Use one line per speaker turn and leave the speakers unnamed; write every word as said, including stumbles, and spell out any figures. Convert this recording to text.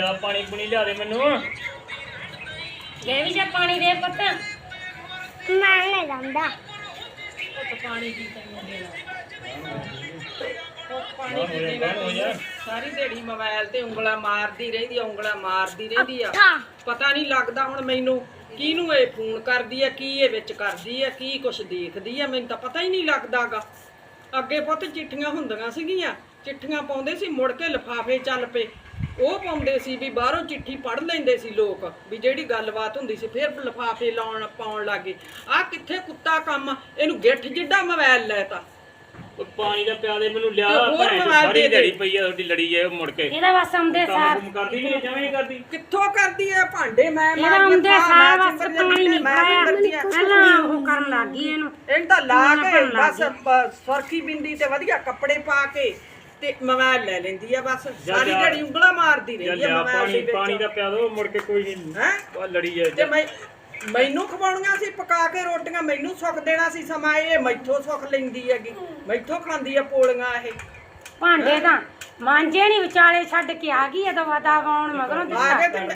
ਲਿਆ ਪਾਣੀ ਪੁਣੀ ਲਿਆ ਦੇ ਮੈਨੂੰ।
ਜੇ ਵੀ ਜੇ ਪਾਣੀ ਦੇ ਪੁੱਤ
ਮੈਂ ਲੈ ਜਾਂਦਾ
ਪੁੱਤ ਪਾਣੀ ਕੀ ਤੈਨੂੰ ਦੇਣਾ
ਪਾਣੀ ਕੀ ਦੇਣਾ ਸਾਰੀ ਦਿਹਾੜੀ ਮੋਬਾਈਲ ਤੇ ਉਂਗਲਾਂ ਮਾਰਦੀ ਰਹਿੰਦੀ ਆ ਉਂਗਲਾਂ ਮਾਰਦੀ ਰਹਿੰਦੀ ਆ ਪਤਾ ਨਹੀਂ ਲੱਗਦਾ ਹੁਣ ਮੈਨੂੰ ਕਿਹਨੂੰ ਇਹ ਫੋਨ ਕਰਦੀ ਆ ਕੀ ਇਹ ਵਿੱਚ ਕਰਦੀ ਆ ਕੀ ਕੁਛ ਦੇਖਦੀ ਆ ਮੈਨੂੰ ਤਾਂ ਪਤਾ ਹੀ ਨਹੀਂ ਲੱਗਦਾਗਾ। ਅੱਗੇ ਪੁੱਤ ਚਿੱਠੀਆਂ ਹੁੰਦੀਆਂ ਸੀਗੀਆਂ ਚਿੱਠੀਆਂ ਪਾਉਂਦੇ ਸੀ ਮੁੜ ਕੇ ਲਿਫਾਫੇ ਚੱਲ ਪਏ ਉਹ ਪਾਉਂਦੇ ਸੀ ਵੀ ਬਾਹਰੋਂ ਚਿੱਠੀ ਪੜ੍ਹ ਲੈਂਦੇ ਸੀ ਲੋਕ ਵੀ ਜਿਹੜੀ ਗੱਲਬਾਤ ਹੁੰਦੀ ਸੀ ਫਿਰ ਲਿਫਾਫੇ ਲਾਉਣ ਪਾਉਣ ਲੱਗੇ। ਆਹ ਕਿੱਥੇ ਕੁੱਤਾ ਕੰਮ ਇਹਨੂੰ ਗਿੱਠ ਜਿੱਡਾ ਮੋਬਾਈਲ ਲੈਤਾ।
ਉਹ ਪਾਣੀ ਦਾ ਪਿਆ ਦੇ ਮੈਨੂੰ ਲਿਆ
ਤੇ ਹੋਰ
ਭੈਣ ਚੋਦ
ਮੋਬਾਈਲ
ਸਾਰੀ
ਦੇ ਦੇ।
ਦਿਹਾੜੀ ਪਈ ਆ ਤੁਹਾਡੀ ਲੜੀ ਜਾਏ ਮੁੜ ਕੇ
ਇਹਦਾ ਬਸ ਆਉਂਦੇ
ਕੰਮ
ਸਾਰ
ਕੁਮ ਕਰਦੀ ਨਹੀਂ ਜਵੇਂ ਨਹੀਂ ਕਰਦੀ।
ਕਿੱਥੋਂ ਕਰਦੀ ਐ ਭਾਂਡੇ ਮੈਂ
ਇਹਦਾ
ਮਾਰਦੀ
ਆਉਂਦੇ
ਆ,
ਸਾਰ
ਮੈਂ
ਬਸ
ਚਿੰਬੜ
ਪਾਣੀ
ਜਾਂਦੀ ਆ,
ਨਹੀਂ
ਮੈਂ ਵੀ ਕਰਦੀ ਆ।
ਪਹਿਲਾਂ ਉਹ ਕਰਨ ਲੱਗ ਗਈ ਇਹਨੂੰ
ਇਹਨੂੰ ਤਾਂ ਲਾ
ਨਾ
ਕੇ
ਭੰਨ ਲੱਗ
ਬਸ ਪ- ਸੁਰਖੀ ਬਿੰਦੀ ਤੇ ਵਧੀਆ ਕੱਪੜੇ ਪਾ ਕੇ ਤੇ ਮੋਬਾਈਲ ਲੈ ਲੈਂਦੀ ਆ ਬਸ
ਜਾ
ਸਾਰੀ
ਜਾ।
ਦਿਹਾੜੀ ਉਂਗਲਾਂ ਮਾਰਦੀ
ਜਾਂ
ਰਹਿੰਦੀ ਆ
ਲਿਆ
ਮੋਬਾਈਲ
ਪਾਣੀ
ਦੇ
ਪਾਣੀ
ਵਿੱਚ
ਦਾ ਪਿਆ ਦੋ ਮੁੜ ਕੇ ਕੋਈ ਨਹੀਂ
ਹੈ
ਉਹ ਲੜੀ ਜਾਏ
ਤੇ ਮੈਂ ਮੈਨੂੰ ਖਵਾਉਣੀਆਂ ਸੀ ਪਕਾ ਕੇ ਰੋਟੀਆਂ ਮੈਨੂੰ ਸੁੱਖ ਦੇਣਾ ਸੀ ਸਮਾਂ ਇਹ ਮੈਥੋਂ ਸੁੱਖ ਲੈਂਦੀ ਹੈਗੀ ਮੈਥੋਂ ਖਾਂਦੀ ਆ ਪੋਲੀਆਂ ਇਹ
ਭਾਂਡੇ ਤਾਂ ਮਾਂਜੇ ਨਹੀਂ ਵਿਚਾਲੇ ਛੱਡ ਕੇ ਆ ਗਈ ਆ ਦਵਾ ਦਵਾ ਆਉਣ ਮਗਰੋਂ
ਆ ਕੇ ਤੇ